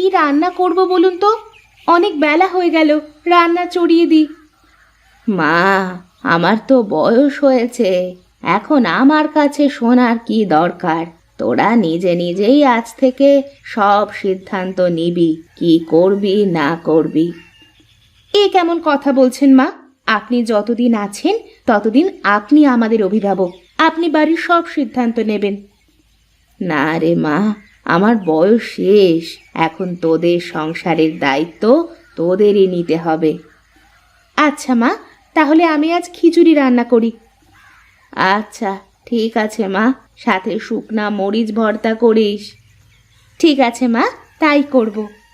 রান্না করব বলুন তো? অনেক বেলা হয়ে গেল, রান্না চড়িয়ে দিই। মা, আমার তো বয়স হয়েছে, এখন আমার কাছে শোনার কি দরকার? তোরা নিজে নিজেই আজ থেকে সব সিদ্ধান্ত নিবি, কি করবি না করবি। এ কেমন কথা বলছেন মা? আপনি যতদিন আছেন ততদিন আপনি আমাদের অভিভাবক, আপনি বাড়ির সব সিদ্ধান্ত নেবেন। না রে মা, আমার বয়স শেষ, এখন তোদের সংসারের দায়িত্ব তোদেরই নিতে হবে। আচ্ছা মা, তাহলে আমি আজ খিচুড়ি রান্না করি। আচ্ছা ঠিক আছে মা, সাথে শুকনা মরিচ ভর্তা করিস। ঠিক আছে মা, তাই করব।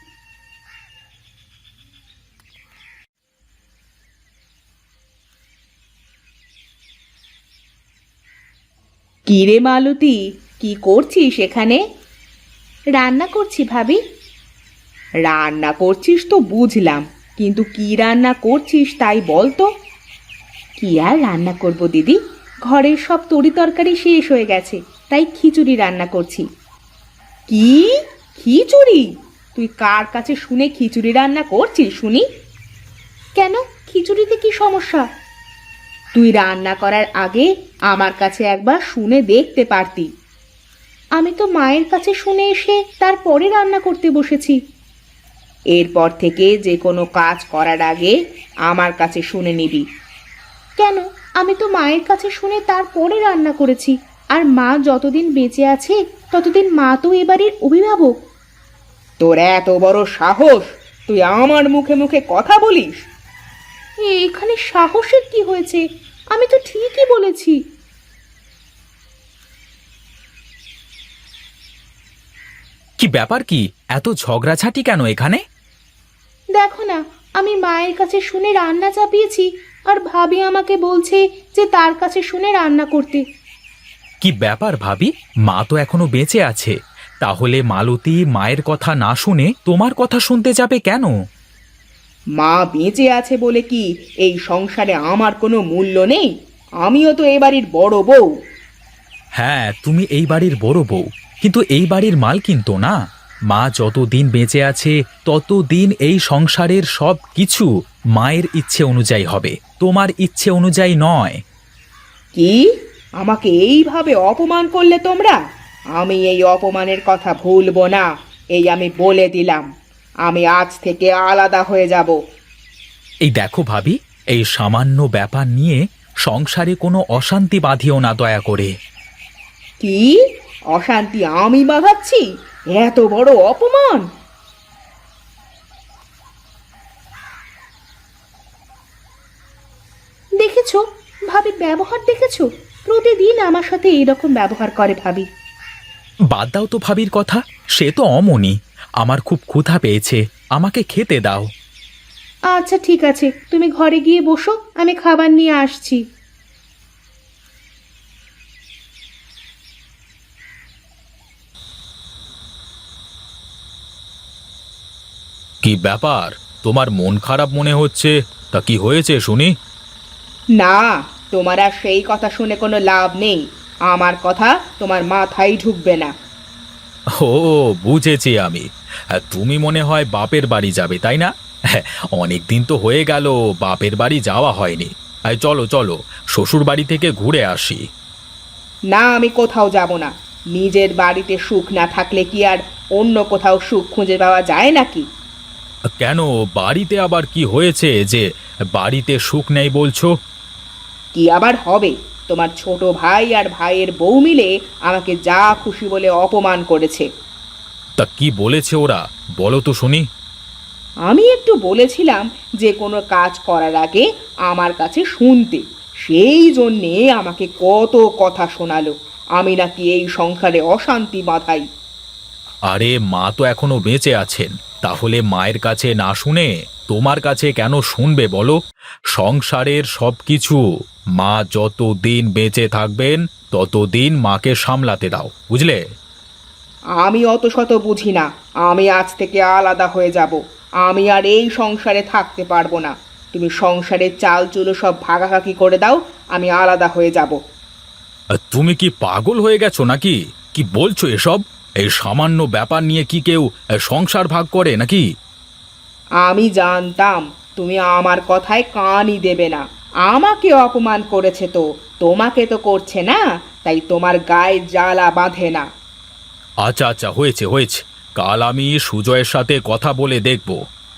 কি রে মালতী, কি করছিস এখানে? রান্না করছি ভাবি। রান্না করছিস তো বুঝলাম, কিন্তু কি রান্না করছিস তাই বল তো। কি আর রান্না করব দিদি, ঘরের সব তরি তরকারি শেষ হয়ে গেছে, তাই খিচুড়ি রান্না করছি। কি? খিচুড়ি? তুই কার কাছে শুনে খিচুড়ি রান্না করছিস শুনি? কেন, খিচুড়িতে কি সমস্যা? তুই রান্না করার আগে আমার কাছে একবার শুনে দেখতে পারতি। আমি তো মায়ের কাছে শুনে এসে তারপরে রান্না করতে বসেছি। এরপর থেকে যে কোনো কাজ করার আগে আমার কাছে শুনে নিবি। কেন, আমি তো মায়ের কাছে শুনে তারপরে রান্না করেছি, আর মা যতদিন বেঁচে আছে ততদিন মা তো এবারের অভিভাবক। তোর এত বড় সাহস, তুই আমার মুখে মুখে কথা বলিস? এখানে সাহসের কি হয়েছে? আমি তো ঠিকই বলেছি। কি ব্যাপার? কি এত ঝগড়াঝাটি কেন এখানে? দেখো না, আমি মায়ের কাছে শুনে রান্না চাপিয়েছি, আর ভাবি আমাকে বলছে যে তার কাছে শুনে রান্না করতে। কি ব্যাপার ভাবি, মা তো এখনো বেঁচে আছে, তাহলে মালতী মায়ের কথা না শুনে তোমার কথা শুনতে যাবে কেন? মা বেঁচে আছে বলে কি এই সংসারে আমার কোনো মূল্য নেই? আমিও তো এ বাড়ির বড় বউ। হ্যাঁ, তুমি এই বাড়ির বড় বউ, কিন্তু এই বাড়ির মালকিন তো না। মা যতদিন বেঁচে আছে ততদিন এই সংসারের সব কিছু মায়ের ইচ্ছে অনুযায়ী হবে, তোমার ইচ্ছে অনুযায়ী নয়। কি? আমাকে এইভাবে অপমান করলে তোমরা? আমি এই অপমানের কথা ভুলবো না, এই আমি বলে দিলাম। আমি আজ থেকে আলাদা হয়ে যাব। এই দেখো ভাবি, এই সামান্য ব্যাপার নিয়ে সংসারে কোনো অশান্তি বাঁধিও না দয়া করে। কি? অশান্তি আমি বাঁধাচ্ছি? এত বড় অপমান! দেখেছো ভাবির ব্যবহার, দেখেছো? প্রতিদিন আমার সাথে এইরকম ব্যবহার করে ভাবি। বাদ দাও তো ভাবির কথা, সে তো অমনি। আমার খুব ক্ষুধা পেয়েছে, আমাকে খেতে দাও। আচ্ছা ঠিক আছে, তুমি ঘরে গিয়ে বসো, আমি খাবার নিয়ে আসছি। কি ব্যাপার, তোমার মন খারাপ মনে হচ্ছে? তা কি হয়েছে শুনি? না, তোমার আর সেই কথা শুনে কোনো লাভ নেই। আমার কথা তোমার মাথায় ঢুকবে না। ও, বুঝেছি আমি। তুমি মনে হয় বাপের বাড়ি যাবে, তাই না? অনেক দিন তো হয়ে গেল বাপের বাড়ি যাওয়া হয়নি। চলো চলো, শ্বশুর বাড়ি থেকে ঘুরে আসি। না, আমি কোথাও যাব না। নিজের বাড়িতে সুখ না থাকলে কি আর অন্য কোথাও সুখ খুঁজে পাওয়া যায় নাকি? কেন, বাড়িতে আবার কি হয়েছে যে বাড়িতে সুখ নেই বলছো? কি আবার হবে? তোমার ছোট ভাই আর ভাইয়ের বউ মিলে আমাকে যা খুশি বলে অপমান করেছে। তা কি বলেছে ওরা, বলো তো শুনি। আমি একটু বলেছিলাম যে কোনো কাজ করার আগে আমার কাছে শুনতে, সেই জন্যে আমাকে কত কথা শোনালো। আমি নাকি এই সংসারে অশান্তি বাঁধাই। আরে মা তো এখনো বেঁচে আছেন, তাহলে মায়ের কাছে না শুনে তোমার কাছে কেন শুনবে বলো? সংসারের সবকিছু মা যতদিন বেঁচে থাকবেন ততদিন মাকে সামলাতে দাও, বুঝলে? আমি অত শত বুঝি না। আমি আজ থেকে আলাদা হয়ে যাব। আমি আর এই সংসারে থাকতে পারবো না। তুমি সংসারের চাল চুলো সব ভাগাভাগি করে দাও, আমি আলাদা হয়ে যাব। তুমি কি পাগল হয়ে গেছো নাকি? কি বলছো এসব? এই সামান্য ব্যাপার নিয়ে কি কেউ সংসার ভাগ করে নাকি? আমি জানতাম তুমি আমার কথায় কানই দেবে না। আমাকে অপমান করেছে তো, তোমাকে তো করছে না, তাই তোমার গায়ে জ্বালা বাঁধে না। আচ্ছা আচ্ছা, হয়েছে হয়েছে, কাল আমি সুজয়ের সাথে কথা বলে দেখব।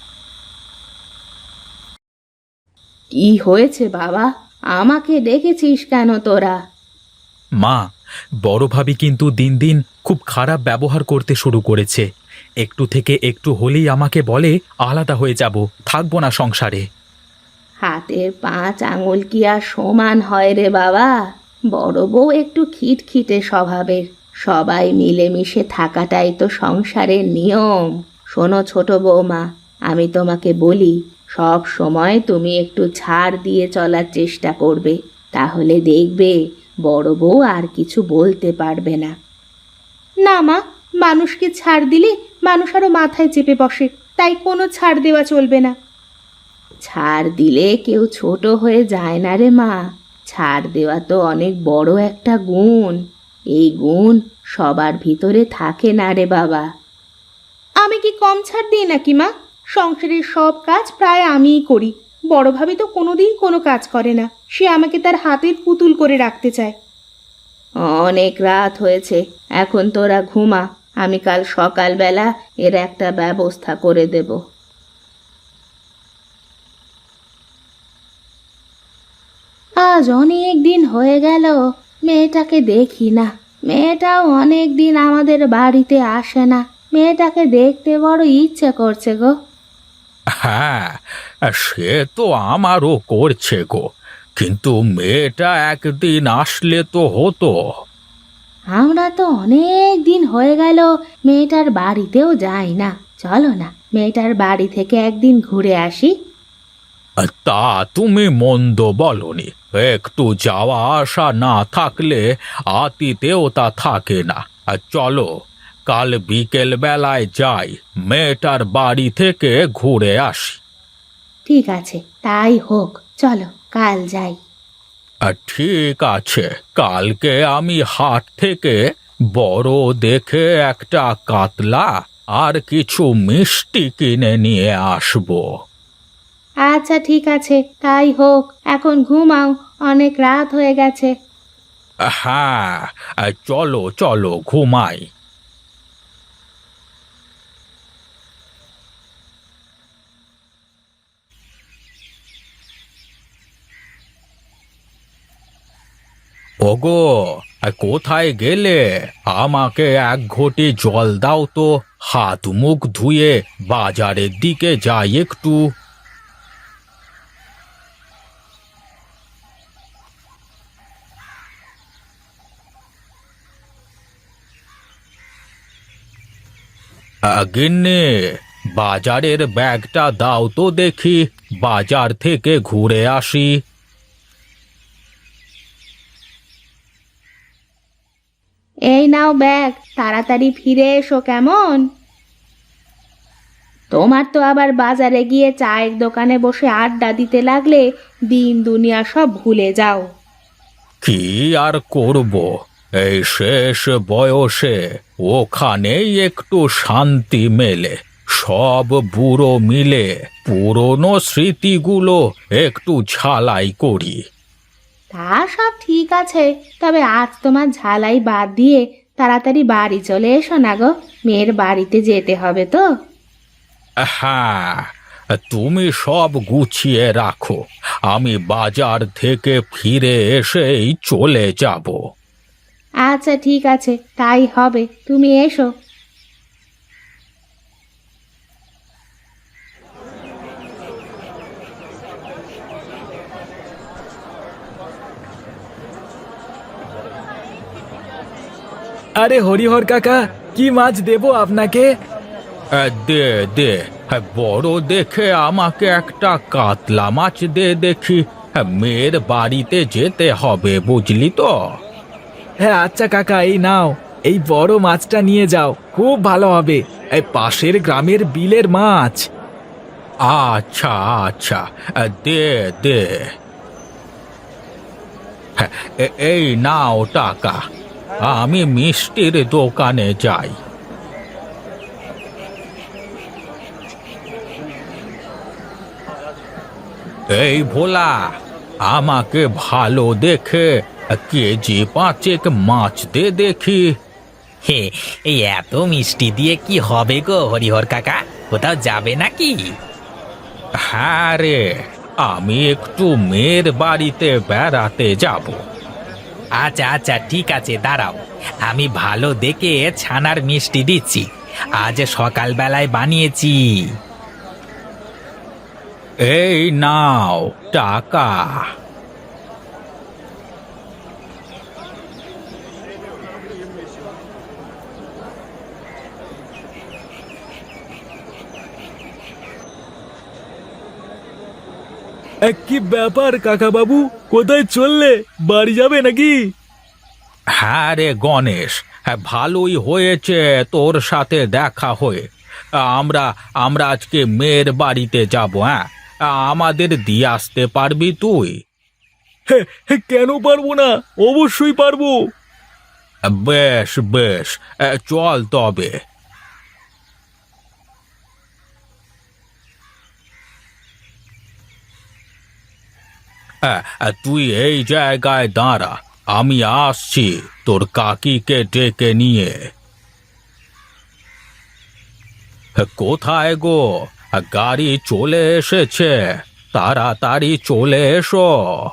কি হয়েছে বাবা? আমাকে ডেকেছিস কেন তোরা? মা, বড় ভাবি কিন্তু দিন দিন খুব খারাপ ব্যবহার করতে শুরু করেছে। একটু থেকে একটু হলেই আমাকে বলে আলাদা হয়ে যাব, থাকবো না সংসারে। হাতের 5 আঙুল কি আর সমান হয় রে বাবা? বড় বউ একটু খিটখিটে স্বভাবের। সবাই মিলেমিশে থাকাটাই তো সংসারের নিয়ম। শোনো ছোট বৌমা, আমি তোমাকে বলি, সব সময় তুমি একটু ছাড় দিয়ে চলার চেষ্টা করবে, তাহলে দেখবে বড় বউ আর কিছু বলতে পারবে না। না মা, মানুষকে ছাড় দিলে মানুষ আরো মাথায় চেপে বসে, তাই কোনো ছাড় দেওয়া চলবে না। ছাড় দিলে কেউ ছোট হয়ে যায় না রে মা। ছাড় দেওয়া তো অনেক বড় একটা গুণ। এই গুণ সবার ভিতরে থাকে না রে বাবা। আমি কি কম ছাড় দিই নাকি মা? সংসারের সব কাজ প্রায় আমিই করি। বড় ভাবি তো কোনোদিন কোনো কাজ করে না, সে আমাকে তার হাতের পুতুল করে রাখতে চায়। অনেক রাত হয়েছে, এখন তোরা ঘুমা। আমি কাল সকালবেলা এর একটা ব্যবস্থা করে দেব। আজ অনেক দিন হয়ে গেল মেয়েটাকে দেখি না। মেয়েটাও অনেক দিন আমাদের বাড়িতে আসে না। মেয়েটাকে দেখতে বড় ইচ্ছে করছে গো। হ্যাঁ, সে তো আমারও করছে গো, কিন্তু মেয়েটা একদিন আসলে তো হতো। আমরা তো অনেক দিন হয়ে গেল মেয়েটার বাড়িতেও যাই না। চলো না, মেয়েটার বাড়ি থেকে একদিন ঘুরে আসি। তা তুমি মন্দ বলনি, একটু যাওয়া আসা না থাকলে আতিতেও তা থাকে না। আর চলো, কাল বিকেল বেলায় যাই, মেয়েটার বাড়ি থেকে ঘুরে আসি। ঠিক আছে, তাই হোক, চলো কাল যাই। ঠিক আছে, কালকে আমি হাট থেকে বড় দেখে একটা কাতলা আর কিছু মিষ্টি কিনে নিয়ে আসবো। আচ্ছা ঠিক আছে, তাই হোক। এখন ঘুমাও, অনেক রাত হয়ে গেছে। হ্যাঁ, চলো চলো ঘুমাই। ওগো, কোথায় গেলে? আমাকে এক ঘটি জল দাও তো, হাত মুখ ধুয়ে বাজারের দিকে যাই একটু। গিন্নি, বাজারের ব্যাগটা দাও তো দেখি, বাজার থেকে ঘুরে আসি। এই নাও ব্যাগ, তাড়াতাড়ি ফিরে এসো কেমন? তোমার তো আবার বাজারে গিয়ে চায়ের দোকানে বসে আড্ডা দিতে লাগলে দিন দুনিয়া সব ভুলে যাও। কি আর করব, এই শেষ বয়সে ওখানেই একটু শান্তি মেলে। সব বুড়ো মিলে পুরনো স্মৃতিগুলো একটু ঝালাই করি। তা সব ঠিক আছে, তবে আজ তোমার ঝালাই বাদ দিয়ে তাড়াতাড়ি বাড়ি চলে এসো না গো, মেয়ের বাড়িতে যেতে হবে তো। হ্যাঁ, তুমি সব গুছিয়ে রাখো, আমি বাজার থেকে ফিরে এসেই চলে যাব। আচ্ছা ঠিক আছে, তাই হবে, তুমি এসো। আরে হরিহর কাকা, কি মাছ দেবো আপনাকে? দে দে, বড় দেখে আমাকে একটা কাতলা মাছ দে দেখি। মেয়ের বাড়িতে যেতে হবে, বুঝলি তো। হ্যাঁ আচ্ছা কাকা, এই নাও, এই বড় মাছটা নিয়ে যাও, খুব ভালো হবে। এই পাশের গ্রামের বিলের মাছ। আচ্ছা আচ্ছা, দে দে। এই নাও টাকা, আমি মিষ্টির দোকানে যাই। এই ভোলা, আমাকে ভালো দেখে কেজি 5 মাছ দে দেখি। হে, এই এত মিষ্টি দিয়ে কি হবে গো হরিহর কাকা? কোথাও যাবে নাকি? হ্যাঁ রে, আমি একটু মেয়ের বাড়িতে বেড়াতে যাব। আচ্ছা আচ্ছা, ঠিক আছে, দাঁড়াও, আমি ভালো দেখে ছানার মিষ্টি দিচ্ছি। আজ সকালবেলায় বানিয়েছি। এই নাও টাকা। কি ব্যাপার কাকা বাবু, কোথায় চললে? বাড়ি যাবে নাকি? হ্যাঁ রে গণেশ, হ্যাঁ, ভালোই হয়েছে তোর সাথে দেখা হয়ে। আমরা আমরা আজকে মেয়ের বাড়িতে যাব। হ্যাঁ, আমাদের দিয়ে আসতে পারবি তুই? কেন পারবো না, অবশ্যই পারবো। বেশ বেশ, চল তবে। তুই এই জায়গায় দাঁড়া, আমি আসছি তোর কাকিকে ডেকে নিয়ে। কোথায় গো? গাড়ি চলে এসেছে, তাড়াতাড়ি চলে এসো।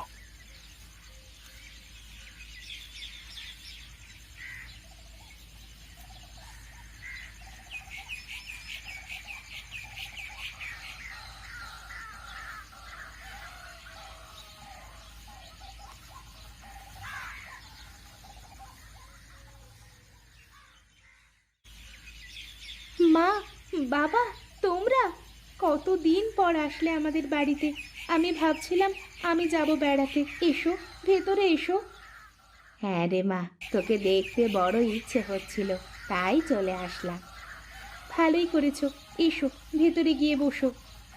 মা, বাবা, তোমরা কতদিন পর আসলে আমাদের বাড়িতে। আমি ভাবছিলাম আমি যাব বেড়াতে। এসো, ভেতরে এসো। হ্যাঁ রে মা, তোকে দেখতে বড় ইচ্ছে হচ্ছিল, তাই চলে আসলাম। ভালোই করেছো, এসো ভেতরে গিয়ে বসো।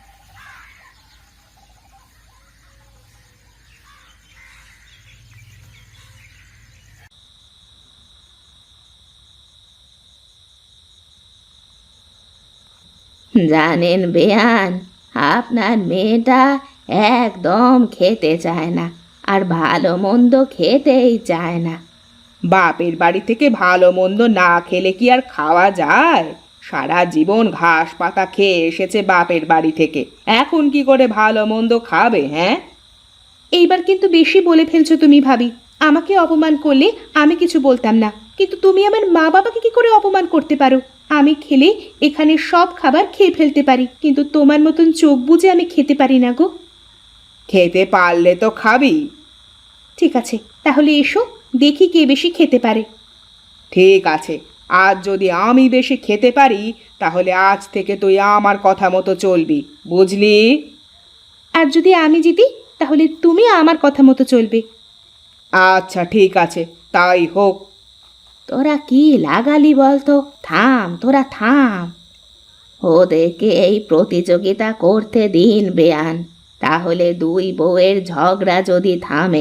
জানেন বেয়ান, আপনার মেয়েটা একদম খেতে চায় না, আর ভালো মন্দ খেতেই চায় না। বাপের বাড়ি থেকে ভালো মন্দ না খেলে কি আর খাওয়া যায়? সারা জীবন ঘাস পাতা খেয়ে এসেছে বাপের বাড়ি থেকে, এখন কি করে ভালো মন্দ খাবে? হ্যাঁ, এইবার কিন্তু বেশি বলে ফেলছো তুমি ভাবি। আমাকে অপমান করলে আমি কিছু বলতাম না, কিন্তু তুমি আমার মা বাবাকে কি করে অপমান করতে পারো? আমি খেলে এখানে সব খাবার খেয়ে ফেলতে পারি, কিন্তু তোমার মতন চোখ বুজে আমি খেতে পারি না গো। খেতে পারলে তো খাবি। ঠিক আছে, তাহলে এসো, দেখি কে বেশি খেতে পারে। ঠিক আছে, আজ যদি আমি বেশি খেতে পারি, তাহলে আজ থেকে তুই আমার কথা মতো চলবি, বুঝলি? আর যদি আমি জিতি, তাহলে তুমি আমার কথা মতো চলবে। আচ্ছা ঠিক আছে, তাই হোক। তোরা কি লাগালি বলতো? থাম, তোরা থাম। ওদেরকে এই প্রতিযোগিতা করতে দিন বেয়ান, তাহলে দুই বউয়ের ঝগড়া যদি থামে।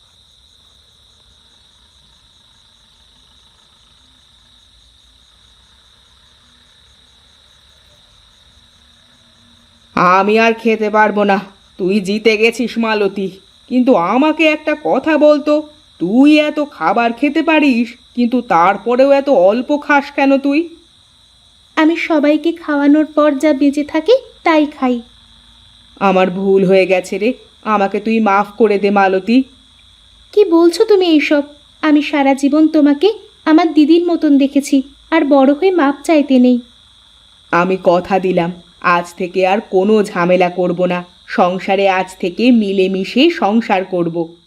আমি আর খেতে পারবো না, তুই জিতে গেছিস মালতী। কিন্তু আমাকে একটা কথা বলতো, তুই এত খাবার খেতে পারিস, কিন্তু তারপরেও এত অল্প খাস কেন তুই? আমি সবাইকে খাওয়ানোর পর যা বেঁচে থাকে তাই খাই। আমার ভুল হয়ে গেছে রে, আমাকে তুই মাফ করে দে মালতী। কি বলছো তুমি এইসব? আমি সারা জীবন তোমাকে আমার দিদির মতন দেখেছি, আর বড় হয়ে মাপ চাইতে নেই। আমি কথা দিলাম, আজ থেকে আর কোনো ঝামেলা করব না, সংসারে আজ থেকে মিলেমিশে সংসার করব।